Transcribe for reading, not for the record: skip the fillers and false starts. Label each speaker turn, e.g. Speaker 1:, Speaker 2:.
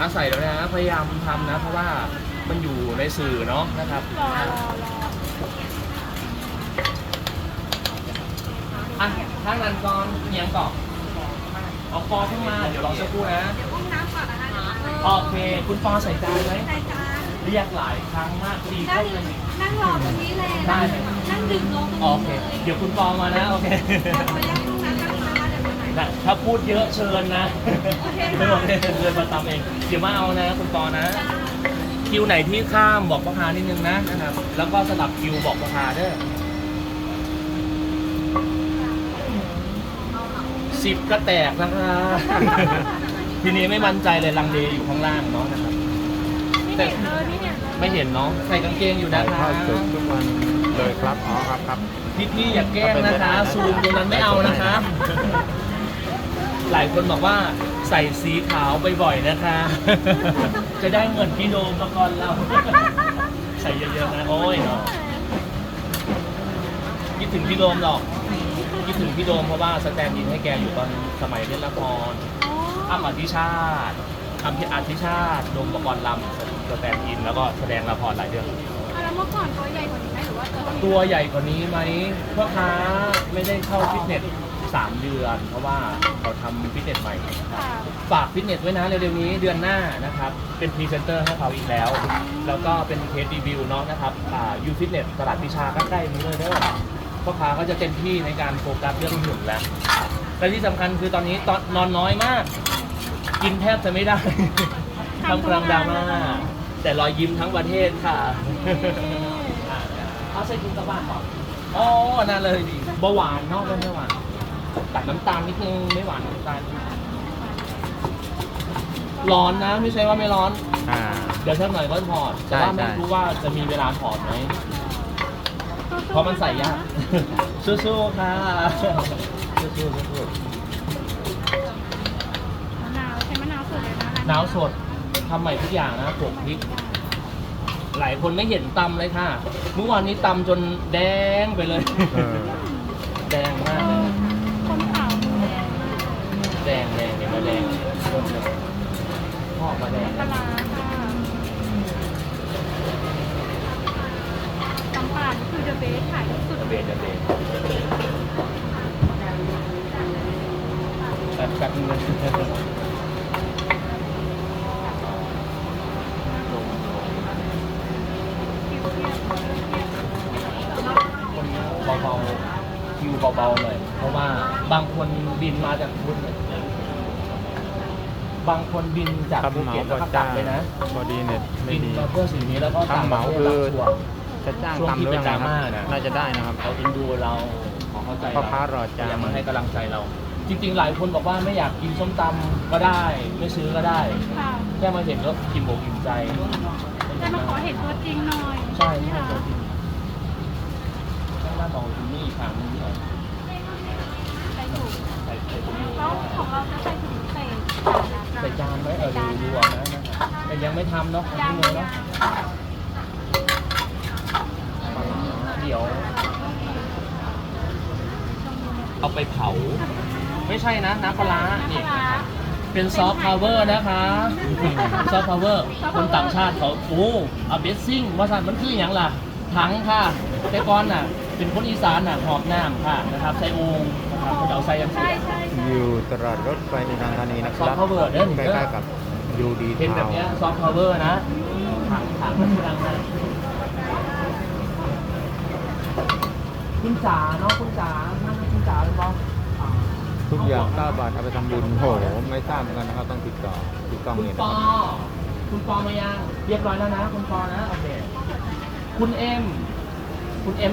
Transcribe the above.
Speaker 1: ใส่แล้วนะพยายามทำนะเพราะว่ามันอยู่ในสื่อเนาะนะครับอ่ะทางนั้นก่อนเอียงก่อนเอาฟอขึ้นมาเดี๋ยวรอสักครู่นะโอเคคุณฟอใส่จานไหมเรียกหลายครั้งมากดีเข้าเลย
Speaker 2: นั่งรอตรงนี้เลยได้นั่งดื่มลงตรงนี้
Speaker 1: โอเคเดี๋ยวคุณฟอมานะโอเคถ้าพูดเยอะเชิญนะไม่บอกเลยเดินมาตามเองเดี๋ยวมาเอานะคุณฟอนะคิวไหนที่ข้ามบอกพ่อค้านิดนึงนะครับแล้วก็สลับคิวบอกพ่อค้าเด้อ10ก็แตกนะคะทีนี้ไม่มั่นใจเลยลังเลอยู่ข้างล่างเนาะนะครับแต่ไม่เห็นเนาะใส่กางเกงอยู่นะคะ
Speaker 3: ทุกวันเลยครับอ๋อครับ
Speaker 1: พี่อย่าแกล้งนะคะซูมตรงนั้นไม่เอานะคะหลายคนบอกว่าใส่สีขาวบ่อยๆนะคะจะได้เงินพี่โดมมาก่อนเราใส่เยอะๆนะโอ้ยเนาะคิดถึงพี่โดมหรอกคิดถึงพี่โดมเพราะว่าสแตนด์อินให้แกอยู่ตอนสมัยเล่นละครอ้ำอธิชาติโดมประกรณ์ลำสแตนด์อินแล้วก็แสดงละครหลายเรื่อง
Speaker 2: แล้วเมื่อก่อนตัวใหญ่กว่านี้ไหมหรือว่า
Speaker 1: ตัวใหญ่กว่านี้ไหมพ่อค้าไม่ได้เข้าฟิตเนส3 เดือนเพราะว่าเขาทำฟิตเนสใหม่ฝากฟิตเนสไว้นะเร็วๆนี้เดือนหน้านะครับเป็นพรีเซนเตอร์ให้เขาอีกแล้วแล้วก็เป็นเคสรีวิวเนาะนะครับยูฟิตเนสตลาดพิชาใกล้ๆนี้เลยเด้อพ่อค้าก็จะเต็มที่ในการโฟกัสเรื่องหุ่นแล้วและที่สำคัญคือตอนนี้นอนน้อยมากกินแทบจะไม่ได้ทำกลางดราม่าแต่รอยยิ้มทั้งประเทศค่ะเอาใส่ถุงกลับบ้านก่อนอ๋อนั่นเลยดิเบาหวานเนาะไม่หวานตัดน้ำตาลนิดนึงไม่หวานน้ำตาลร้อนนะไม่ใช่ว่าไม่ร้อนเดี๋ยวสักหน่อยก็ถอดแต่ว่าไม่รู้ว่าจะมีเวลาถอดไหมเพราะมันใส่ยากสู้ๆค่ะสู้
Speaker 2: มะนาวใช้มะนาวสดเลยนะ
Speaker 1: หนาวสดทำใหม่ทุกอย่างนะโขลกพริกหลายคนไม่เห็นตำเลยค่ะเมื่อวานนี้ตำจนแดงไปเลยแดงมากเลย
Speaker 2: คนขาว
Speaker 1: แดงเห็นไหมแดงพ่อมาแดง
Speaker 2: ปลาค่ะตำป่าคือเดอะเบสขายสุด
Speaker 1: เบสกัดเงินเบาๆคิวเบาๆหน่อยเพราะว่าบางคนบินมาจากพุทธบางคนบินจากภูเก็ตแล้วก็กลับไปนะ
Speaker 3: พอดีเน็ตไม่ดี
Speaker 1: เพื่อสิ่งนี้แล้วก็
Speaker 3: ทำเหมาคือจะจ้างตำเรื่องนะครับน่าจะได้นะครับ
Speaker 1: เขาอินดูเราเข้าใจ
Speaker 3: พ่อค้ารอจ้าง
Speaker 1: มาให้กำลังใจเราจริงๆหลายคนบอกว่าไม่อยากกินส้มตำก็ได้ไม่ซื้อก็ได้แค่มาเห็นก็อิ่มอกอิ่มใจ
Speaker 2: แต่มาขอเห็นตัวจริงหน่อย
Speaker 1: ใช่ตัวจริงต้องมองที่นี่ทางนี้หน่อย
Speaker 2: ใส่ถุงแล้วของเราจะใส่ถุง
Speaker 1: ใส่จานไหมดูนะแต่ยังไม่ทำเนาะ
Speaker 2: ยัง
Speaker 1: เนาะเดี๋ยวเอาไปเผาไม่ใช่นะน้ำปลานี่เป็นซอฟต์พาวเวอร์นะคะซอฟต์พาวเวอร์คนต่างชาติเขาโอ้อาเบสซิ่งว่าสันมันคืออย่างล่ะถังค่ะแต่ก่อนน่ะเป็นคนอีสานน่ะหอบน้ำค่ะนะครับใส่โอ่งนะครับเขาจะเอาใส่ยังไง
Speaker 3: อยู่ตลาดรถไฟในทางธานีนะครับ
Speaker 1: ซอฟต์พาวเวอร์
Speaker 3: ใกล้ๆกับยูดี
Speaker 1: เป็นแบบนี้ซอฟต์พาวเวอร์นะถังดังนะคุณจ๋าเนาะคุณจ๋านั่นคุณจ๋าเป็นบอส
Speaker 3: ทุกอย่าง9 บาทเอาไปทำบุญโหไม่ทราบเหมือนกันนะครับต้องติดต่อที่กล้อง
Speaker 1: เนี่ยคุณปอมายังเรียบร้อยแล้วนะคุณปอนะโอเคคุณเอ็ม